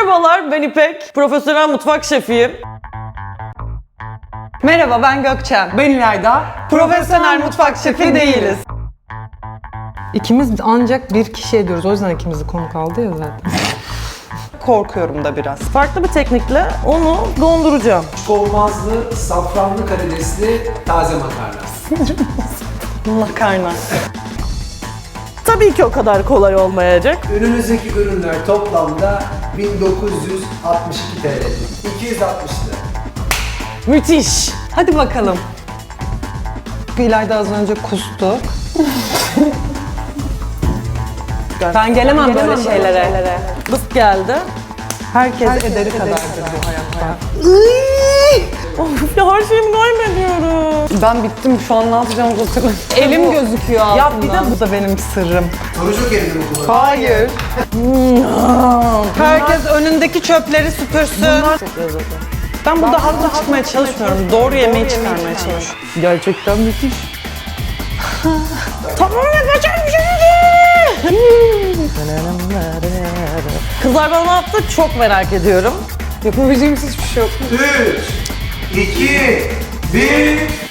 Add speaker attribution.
Speaker 1: Merhabalar, ben İpek. Profesyonel mutfak şefiyim.
Speaker 2: Merhaba, ben Gökçen.
Speaker 3: Ben İlayda.
Speaker 2: Profesyonel mutfak şefi değiliz.
Speaker 3: İkimiz ancak bir kişi ediyoruz. O yüzden ikimizi konuk aldı ya zaten.
Speaker 2: Korkuyorum da biraz.
Speaker 1: Farklı bir teknikle onu donduracağım.
Speaker 4: Olmazlı, safranlı karidesli taze makarna.
Speaker 2: Makarna.
Speaker 1: Tabii ki o kadar kolay olmayacak.
Speaker 4: Önünüzdeki ürünler toplamda 1962 TL. 260 lira.
Speaker 1: Müthiş.
Speaker 2: Hadi bakalım.
Speaker 3: İlayda az önce kustu.
Speaker 2: Ben gelemem böyle şeylere.
Speaker 1: Bıs geldi.
Speaker 3: Herkes ederi kadardır bu hayatta.
Speaker 1: Of ya, her şeyimi kaybediyorum.
Speaker 2: Ben bittim, şu an ne yapacağımı hatırlamıyorum. Elim gözüküyor altından.
Speaker 3: Ya bir de bu da benim sırrım.
Speaker 4: Soru çok elinde mi kullanıyor?
Speaker 3: Hayır. Herkes önündeki çöpleri süpürsün.
Speaker 1: Çok lezzetli.
Speaker 2: Ben burada haklı çıkmaya çalışmıyorum. Doğru yemeği çıkarmaya çalışıyorum.
Speaker 1: Gerçekten müthiş. Tamam, yapacağım şimdi. Kızlar bana ne yaptı çok merak ediyorum.
Speaker 2: Yapabileceğimiz hiçbir şey yok.
Speaker 4: 3, 2, 1...